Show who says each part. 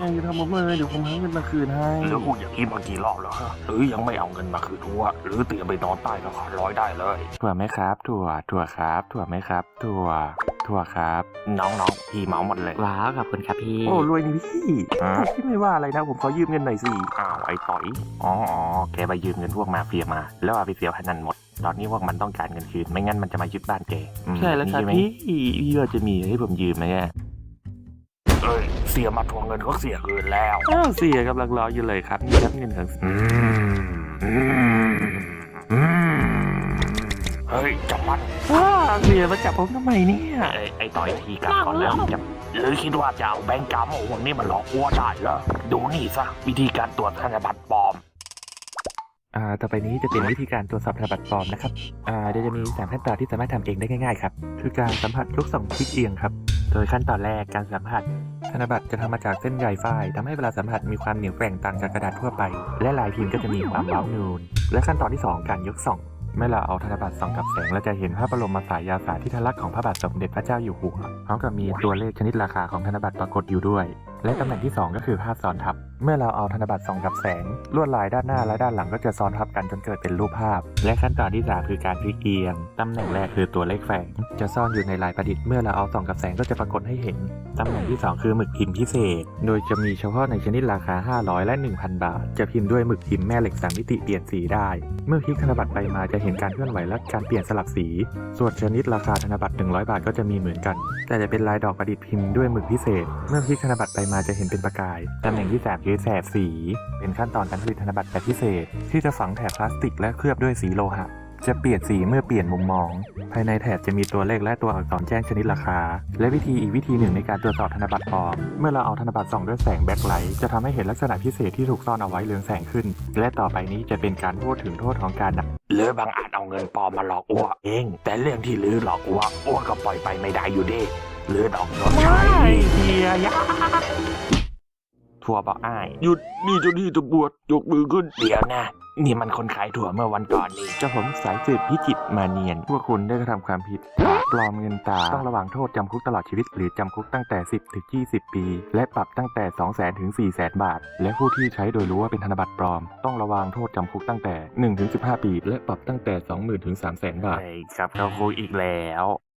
Speaker 1: ทำผมเลยเดี๋ยวผมหาเงินมาคืนให้
Speaker 2: หรือกูอย่างนี้มากี่รอบแล้วฮะหรือยังไม่เอาเงินมาคืนหัวหรือเตรียมไปนอนใต้สะพานลอยได้เลย
Speaker 1: ถั่วไหมครับถั่วครับถั่วไหมครับถั่วครับ
Speaker 2: น้องๆพี่เหมาหมดเลย
Speaker 3: ว้าวขอบคุณครับพี่
Speaker 1: โอ้รวยนี่พี่ไม่ว่าอะไรนะผมขอยืมเงินหน่อยสิ
Speaker 2: อ้าวไอ้ต่อยอ๋อแกไปยืมเงินพวกมาเฟียมาแล้วเอาไปเสียพนันหมดตอนนี้พวกมันต้องการเงินคืนไม่งั้นมันจะมายึดบ้านแก
Speaker 1: ใช่แล้วครับพี่ว่าจะมีให้ผมยืมไหมเนี่ย
Speaker 2: เอ้ยเสียมาทวงเงินก็เสียคืนแล้ว
Speaker 1: เสียกำลังรออยู่เลยครับนี่ครับเงินของ
Speaker 2: เฮ้ยจับมัน
Speaker 1: เสียมาจับผมทำไมเนี่ย
Speaker 2: ไอ้ต่อยทีกันก่อนแล้วจับหรือคิดว่าจะเอาแบงก์กาโมวันนี้มันหลอกวัวได้เหรอดูนี่ซะวิธีการตรวจธนบัตรปลอม
Speaker 1: ต่อไปนี้จะเป็นวิธีการตรวจสอบธนบัตรปลอมนะครับเดี๋ยวจะมี3ขั้นตอนที่สามารถทำเองได้ง่ายๆครับคือการสัมผัสยก2คลิกเอียงครับโดยขั้นตอนแรกการสัมผัสธนบัตรจะทำมาจากเส้นใยฝ้ายทำให้เวลาสัมผัสมีความเหนียวแกร่งต่างจากกระดาษทั่วไปและลายพิมพ์ก็จะมีความเว้านูนและขั้นตอนที่2การยกส่องเมื่อเราเอาธนบัตรส่องกับแสงเราจะเห็นพระบรมฉายาสาธิสลักษณ์ของพระบาทสมเด็จพระเจ้าอยู่หัวพร้อมกับมีตัวเลขชนิดราคาของธนบัตรปรากฏอยู่ด้วยและตำแหน่งที่2ก็คือภาพซ้อนทับเมื่อเราเอาธนบัตรส่องกับแสงลวดลายด้านหน้าและด้านหลังก็จะซ้อนทับกันจนเกิดเป็นรูปภาพและขั้นตอนที่3คือการพลิกเอียงตำแหน่งแรกคือตัวเลขแฝงจะซ่อนอยู่ในลายประดิษฐ์เมื่อเราเอาส่องกับแสงก็จะปรากฏให้เห็นตำแหน่งที่2คือหมึกพิมพ์พิเศษโดยจะมีเฉพาะในชนิดราคา500และ 1,000 บาทจะพิมพ์ด้วยหมึกพิมพ์แม่เหล็ก3มิติเปลี่ยนสีได้เมื่อพลิกธนบัตรไปมาจะเห็นการเคลื่อนไหวและการเปลี่ยนสลับสีส่วนชนิดราคาธนบัตร100 บาทก็จะมีเหมือนกันแต่จะเป็นลายดอกประดิษฐ์พิมพ์ด้วยหมึกพิเศษเมื่อพลิกธนบัตรไปมาจะเห็นเป็นประกายตำแหน่งที่3คือแสบสีเป็นขั้นตอนการผลิตธนบัตรแบบพิเศษที่จะฝังแถบพลาสติกและเคลือบด้วยสีโลหะจะเปลี่ยนสีเมื่อเปลี่ยนมุมมองภายในแถบจะมีตัวเลขและตัวอักษรแจ้งชนิดราคาและวิธีหนึ่งในการตรวจสอบธนบัตรปลอมเมื่อเราเอาธนบัตรส่องด้วยแสงแบ็คไลท์จะทำให้เห็นลักษณะพิเศษที่ถูกซ่อนเอาไว้เรืองแสงขึ้นและต่อไปนี้จะเป็นการพูดถึงโทษของการ
Speaker 2: หรือบางอาจเอาเงินปลอมมาหลอกอ้วเองแต่เรื่องที่ลือหลอกอ้วก็ปล่อยไปไม่ได้อยู่ดีหรือต้องชดใช้
Speaker 1: เฮียยะ
Speaker 2: ถั่วบอกอ้าย
Speaker 1: หยุดนี่เจ้าหน้าที่ตำรวจยกมือขึ้น
Speaker 2: เดี๋ยวนะนี่มันคนขายถั่วเมื่อวันก่อนนี่
Speaker 1: เจ้าผมสายสืบพิจิตรมาเนียนพวกคุณได้กระทำความผิดปลอมเงินตราต้องระวังโทษจำคุกตลอดชีวิตหรือจำคุกตั้งแต่10 ถึง 20 ปีและปรับตั้งแต่ 200,000 ถึง 400,000 บาทและผู้ที่ใช้โดยรู้ว่าเป็นธนบัตรปลอมต้องระวังโทษจำคุกตั้งแต่1 ถึง 15 ปีและปรับตั้งแต่ 20,000 ถึง 300,000 บาท
Speaker 2: ครับเขาคุยอีกแล้ว